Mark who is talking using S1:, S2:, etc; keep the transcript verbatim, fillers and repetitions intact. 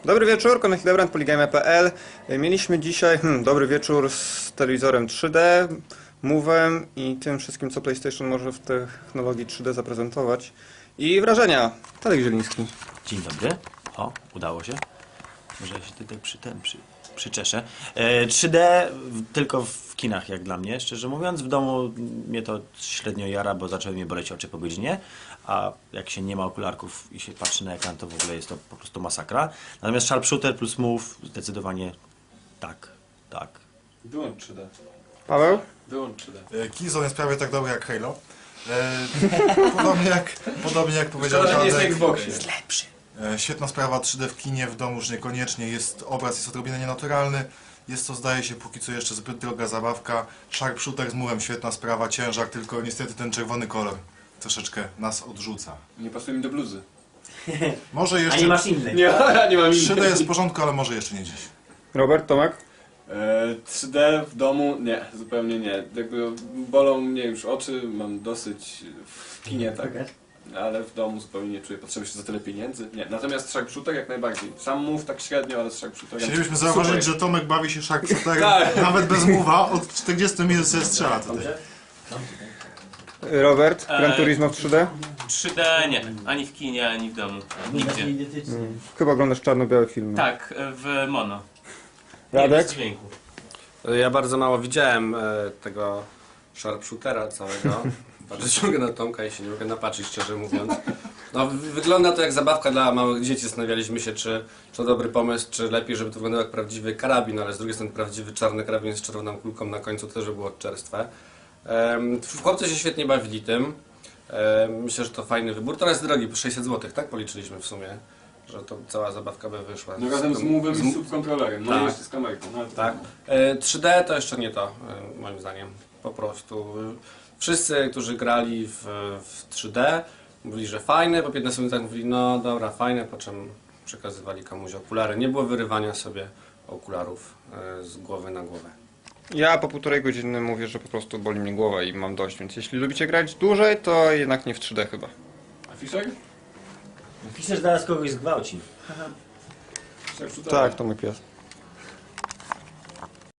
S1: Dobry wieczór, Konrad Hildebrand, Poligame kropka p l. Mieliśmy dzisiaj hmm, dobry wieczór z telewizorem trzy D, Move'em i tym wszystkim, co PlayStation może w technologii trzy D zaprezentować. I wrażenia. Tadek Zieliński.
S2: Dzień dobry. O, udało się. Może ja się tutaj przy tym przy, przyczeszę. E, trzy D w, tylko w kinach, jak dla mnie, szczerze mówiąc. W domu mnie to średnio jara, bo zaczęły mnie boleć oczy po godzinie. A jak się nie ma okularków i się patrzy na ekran, to w ogóle jest to po prostu masakra. Natomiast Sharpshooter plus Move zdecydowanie tak, tak.
S3: Wyłącz trzy D.
S1: Paweł?
S3: Wyłącz trzy D.
S4: Killzone jest prawie tak dobry jak Halo. E, podobnie, jak, podobnie jak powiedział
S3: Szkoda, że nie jest na
S4: Tadek,
S3: Xboxie.
S2: Jest lepszy.
S4: e, świetna sprawa trzy D w kinie, w domu już niekoniecznie. Jest, obraz jest odrobinę nienaturalny. Jest to, zdaje się, póki co jeszcze zbyt droga zabawka. Sharpshooter z murem, świetna sprawa, ciężar, tylko niestety ten czerwony kolor troszeczkę nas odrzuca.
S3: Nie pasuje mi do bluzy.
S4: Może
S2: A
S4: jeszcze...
S2: nie masz innej.
S3: Nie, ja nie mam
S4: trzy D jest w porządku, ale może jeszcze nie dziś.
S1: Robert, Tomek?
S3: E, trzy D w domu? Nie, zupełnie nie. Jakby bolą mnie już oczy, mam dosyć w kinie, tak. Ale w domu zupełnie nie czuję potrzeby jeszcze za tyle pieniędzy. Nie, natomiast Sharpshooter jak najbardziej. Sam move tak średnio, ale z Sharpshooterem
S4: Chcielibyśmy
S3: super.
S4: zauważyć, że Tomek bawi się Sharpshooterem,
S3: Tak.
S4: nawet bez mowa, od czterdziestu minut sobie strzela tutaj.
S1: Robert? Gran Turismo w trzy D?
S5: trzy D nie, ani w kinie, ani w domu. Nigdzie.
S1: Hmm. Chyba oglądasz czarno-białe filmy.
S5: Tak, w mono. Nie,
S1: Radek?
S5: bez dźwięku.
S6: Ja bardzo mało widziałem e, tego sharpshootera całego. Bardzo ciągle na Tomka i się nie mogę napatrzeć, szczerze mówiąc. No, wy- wygląda to jak zabawka dla małych dzieci. Zastanawialiśmy się, czy, czy to dobry pomysł, czy lepiej, żeby to wyglądało jak prawdziwy karabin, ale z drugiej strony prawdziwy czarny karabin z czerwoną kulką na końcu też by było czerstwe. Em, chłopcy się świetnie bawili tym. Em, myślę, że to fajny wybór. Teraz jest drogi, po sześćset złotych, tak? Policzyliśmy w sumie, że to cała zabawka by wyszła.
S3: No razem z
S6: tym-
S3: move'em
S6: z
S3: i z subkontrolerem, no
S6: Tak.
S3: i jeszcze z kamerką. No, ale to-
S6: Tak. E, trzy D to jeszcze nie to, e, moim zdaniem. Po prostu. e, Wszyscy, którzy grali w, w trzy D, mówili, że fajne, po piętnastu minutach mówili, no dobra, fajne, po czym przekazywali komuś okulary. Nie było wyrywania sobie okularów e, z głowy na głowę.
S1: Ja po półtorej godziny mówię, że po prostu boli mnie głowa i mam dość, więc jeśli lubicie grać dłużej, to jednak nie w trzy D chyba.
S3: A Fisher?
S2: Fischer zaraz kogoś zgwałci.
S3: Sharpshooter.
S1: Tak, to mój pies.